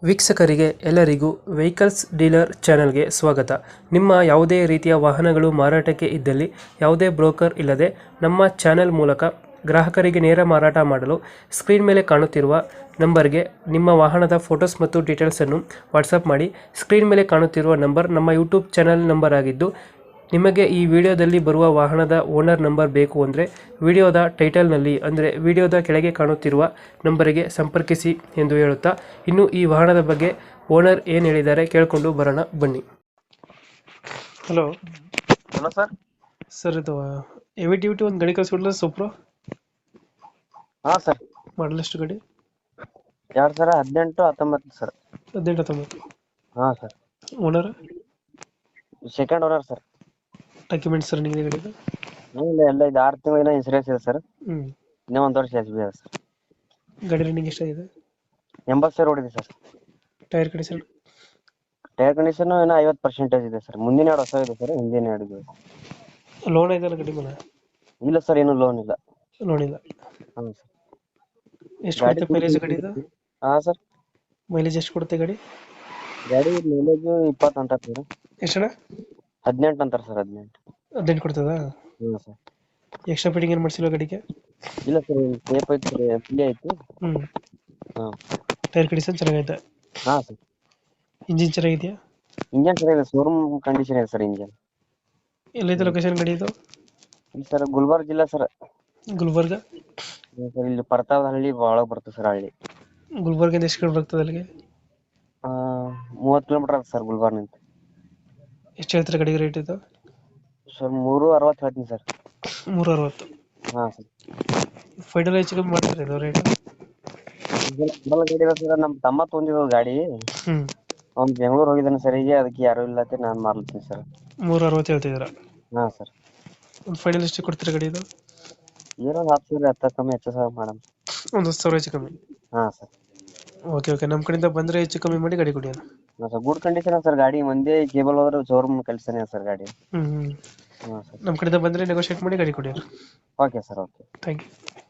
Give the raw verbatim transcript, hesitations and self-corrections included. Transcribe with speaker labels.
Speaker 1: ವೀಕ್ಷಕರಿಗೆ ಎಲ್ಲರಿಗೂ vehicles dealer ಚಾನೆಲ್ಗೆ ಸ್ವಾಗತ. ನಿಮ್ಮ ಯಾವುದೇ ರೀತಿಯ ವಾಹನಗಳು ಮಾರಾಟಕ್ಕೆ ಇದ್ದಲ್ಲಿ ಯಾವುದೇ ಬ್ರೋಕರ್ ಇಲ್ಲದೆ ನಮ್ಮ ಚಾನೆಲ್ ಮೂಲಕ ಗ್ರಾಹಕರಿಗೆ ನೇರ ಮಾರಾಟ ಮಾಡಲು ಸ್ಕ್ರೀನ್ ಮೇಲೆ ಕಾಣುತ್ತಿರುವ ನಂಬರ್ಗೆ ನಿಮ್ಮ ವಾಹನದ ಫೋಟೋಸ್ ಮತ್ತು ಡೀಟೇಲ್ಸನ್ನು ವಾಟ್ಸಪ್ ಮಾಡಿ. ಸ್ಕ್ರೀನ್ ಮೇಲೆ ಕಾಣುತ್ತಿರುವ ನಂಬರ್ ನಮ್ಮ ಯೂಟ್ಯೂಬ್ ಚಾನೆಲ್ ನಂಬರ್ ಆಗಿದ್ದು, ನಿಮಗೆ ಈ ವಿಡಿಯೋದಲ್ಲಿ ಬರುವ ವಾಹನದ ಓನರ್ ನಂಬರ್ ಬೇಕು ಅಂದರೆ ವಿಡಿಯೋದ ಟೈಟಲ್ನಲ್ಲಿ ಅಂದರೆ ವಿಡಿಯೋದ ಕೆಳಗೆ ಕಾಣುತ್ತಿರುವ ನಂಬರಿಗೆ ಸಂಪರ್ಕಿಸಿ ಎಂದು ಹೇಳುತ್ತಾ, ಇನ್ನು ಈ ವಾಹನದ ಬಗ್ಗೆ ಓನರ್ ಏನು ಹೇಳಿದ್ದಾರೆ ಕೇಳಿಕೊಂಡು ಬರೋಣ ಬನ್ನಿ. Hello
Speaker 2: hello sir.
Speaker 1: ಸರ್, ಇದು ಹೆವಿ ಡ್ಯೂಟಿ ಒಂದು ಗಾಡಿ ಕಳಿಸ್ಕೊಡ್ಲ ಸೂಪ್ರೋ
Speaker 2: ಹಾ ಸರ್.
Speaker 1: ಮಾಡಲ್ ಎಷ್ಟು ಗಾಡಿ?
Speaker 2: ಎರಡ್ ಸಾವಿರ ಹದಿನೆಂಟು ಹತ್ತೊಂಬತ್ತು ಸರ್.
Speaker 1: ಹದಿನೆಂಟು ಹತ್ತೊಂಬತ್ತು.
Speaker 2: ಹಾ sir.
Speaker 1: Owner
Speaker 2: second owner sir.
Speaker 1: Documents running ಇದೆ ಗಾಡಿದು?
Speaker 2: ಇಲ್ಲ ಎಲ್ಲ ಇದು ಆರು ತಿಂಗಳಿನ ಇನ್ಸೂರೆನ್ಸ್ ಇದೆ ಸರ್.
Speaker 1: ಹ್ಞೂ
Speaker 2: ಇನ್ನೂ ಒಂದು ವರ್ಷ ಎಸ್ ಬಿ ಇದೆ ಸರ್.
Speaker 1: ಗಾಡಿ ರನ್ನಿಂಗ್ ಎಷ್ಟಾಗಿದೆ?
Speaker 2: ಎಂಬತ್ತು ಸಾವಿರ ಓಡಿದೆ sir.
Speaker 1: Tyre condition?
Speaker 2: Tyre condition ಇನ್ನೂ ಐವತ್ತು ಪರ್ಸೆಂಟೇಜ್ ಇದೆ ಸರ್. ಮುಂದಿನ ಎರಡು ಹೊಸ ಇದೆ ಸರ್, ಹಿಂದಿನ ಎರಡು ಇದೆ.
Speaker 1: ಲೋನ್ ಇದೆಯಲ್ಲ ಗಾಡಿ ಮೇಲೆ?
Speaker 2: ಇಲ್ಲ ಸರ್, ಏನು ಲೋನ್ ಇಲ್ಲ.
Speaker 1: ಲೋನ್ ಇಲ್ಲ.
Speaker 2: ಹ್ಞೂ ಸರ್.
Speaker 1: ಎಷ್ಟು ಕೊಡುತ್ತೆ ಮೈಲೇಜ್ ಗಾಡಿದು?
Speaker 2: ಹಾ ಸರ್.
Speaker 1: ಮೈಲೇಜ್ ಎಷ್ಟು ಕೊಡುತ್ತೆ ಗಾಡಿ?
Speaker 2: ಗಾಡಿ ಮೈಲೇಜ್ ಇಪ್ಪತ್ತು ಅಂತಾರೆ ಸರ್.
Speaker 1: ಎಷ್ಟಣ್ಣ?
Speaker 2: ಹದಿನೆಂಟು ಅಂತಾರೆ ಸರ್. ಹದಿನೆಂಟು
Speaker 1: ಹದಿನೆಂಟು ಕೊಡ್ತದ?
Speaker 2: ಹ್ಞೂ ಸರ್.
Speaker 1: ಎಕ್ಸ್ಟ್ರಾ ಫಿಟ್ಟಿಂಗ್ ಏನು ಮಾಡಿಸಿಲ್ಲ ಗಾಡಿಗೆ?
Speaker 2: ಇಲ್ಲ ಸರ್, ಟೇಪ್ ಐತಿ ಸರ್, ಎಫ್ ಐತಿ.
Speaker 1: ಹ್ಞೂ
Speaker 2: ಹಾಂ.
Speaker 1: ಟೈರ್ ಕಂಡೀಷನ್ ಚೆನ್ನಾಗೈತೆ?
Speaker 2: ಹಾಂ ಸರ್.
Speaker 1: ಇಂಜಿನ್ ಚೆನ್ನಾಗಿದೆಯಾ?
Speaker 2: ಇಂಜನ್ ಚೆನ್ನಾಗಿದೆ, ಶೋರೂಮ್ ಕಂಡೀಷನ್ ಇದೆ ಸರ್ ಇಂಜನ್.
Speaker 1: ಎಲ್ಲೈತೆ ಲೊಕೇಶನ್ ಗಾಡಿ ಇದು?
Speaker 2: ಇಲ್ಲ ಸರ್, ಗುಲ್ಬರ್ಗ ಜಿಲ್ಲಾ ಸರ್.
Speaker 1: ಗುಲ್ಬರ್ಗ?
Speaker 2: ಸರ್ ಇಲ್ಲಿ ಪರ್ತಾವದ ಹಳ್ಳಿ ಭಾಳ ಬರ್ತದೆ ಸರ್. ಹಳ್ಳಿ
Speaker 1: ಗುಲ್ಬರ್ಗಿಂದ ಎಷ್ಟು ಕಿಲೋಮೀಟರ್ ಬರ್ತದೆ ಅಲ್ಲಿಗೆ?
Speaker 2: ಮೂವತ್ತು ಕಿಲೋಮೀಟರ್ ಆಗುತ್ತೆ ಸರ್ ಗುಲ್ಬರ್ಗ್ನಿಂದ.
Speaker 1: ಎಷ್ಟು ಹೇಳ್ತಾರೆ ಗಾಡಿಗೆ ರೇಟ್ ಇದು?
Speaker 2: ಸರ್ ಮೂರು ಅರವತ್ತು ಹೇಳ್ತೀನಿ ಸರ್.
Speaker 1: ಮೂರು ಅರವತ್ತು?
Speaker 2: ಹಾಂ ಸರ್.
Speaker 1: ಫೈನಲ್ ಹೆಚ್ಚು ಕಮ್ಮಿ ಮಾಡ್ತಾರೆ ಇದು ರೇಟ್?
Speaker 2: ಗಾಡಿ ಇದೆ ಸರ್, ನಮ್ಮ ತಮ್ಮ ತೊಗೊಂಡಿದ್ದು ಗಾಡಿ.
Speaker 1: ಹ್ಞೂ
Speaker 2: ಅವ್ನು ಬೆಂಗಳೂರು ಹೋಗಿದ್ದಾನೆ ಸರ್, ಈಗ ಅದಕ್ಕೆ ಯಾರು ಇಲ್ಲತ್ತೆ ನಾನು ಮಾರ್ಲತ್ತೀನಿ ಸರ್.
Speaker 1: ಮೂರು ಅರವತ್ತು ಹೇಳ್ತಿದ್ದೀರಾ?
Speaker 2: ಹಾಂ ಸರ್.
Speaker 1: ಒಂದು ಫೈನಲ್ ಎಷ್ಟು ಕೊಡ್ತೀರಾ ಗಾಡಿ ಇದು?
Speaker 2: ಏನೋ ಒಂದು ಹತ್ತು ಸಾವಿರ ಹತ್ತು ಕಮ್ಮಿ ಹೆಚ್ಚು ಸಾವಿರ ಮೇಡಮ್.
Speaker 1: ಒಂದು ಹತ್ತು ಸಾವಿರ ಹೆಚ್ಚು ಕಮ್ಮಿ?
Speaker 2: ಹಾಂ ಸರ್.
Speaker 1: ಓಕೆ ಓಕೆ, ನಮ್ಮ ಕಡೆಯಿಂದ ಬಂದರೆ ಹೆಚ್ಚು ಕಮ್ಮಿ ಮಾಡಿ ಗಾಡಿ ಕೊಡಿ.
Speaker 2: ಹಾಂ ಸರ್, ಗುಡ್ ಕಂಡೀಷನ್ ಸರ್ ಗಾಡಿ. ಮಂದಿ ಕೇಬಲ್ ಹೋದ್ರೆ ಶೋರೂಮ್ ಕಳಿಸ್ತಾನೆ ಸರ್ ಗಾಡಿ.
Speaker 1: ಹ್ಞೂ ಹ್ಞೂ
Speaker 2: ಹಾಂ ಸರ್.
Speaker 1: ನಮ್ಮ ಕಡೆಯಿಂದ ಬಂದರೆ ನೆಗೋಷಿಯೇಟ್ ಮಾಡಿ ಗಾಡಿ ಕೊಡಿ.
Speaker 2: Okay sir, okay.
Speaker 1: Thank you.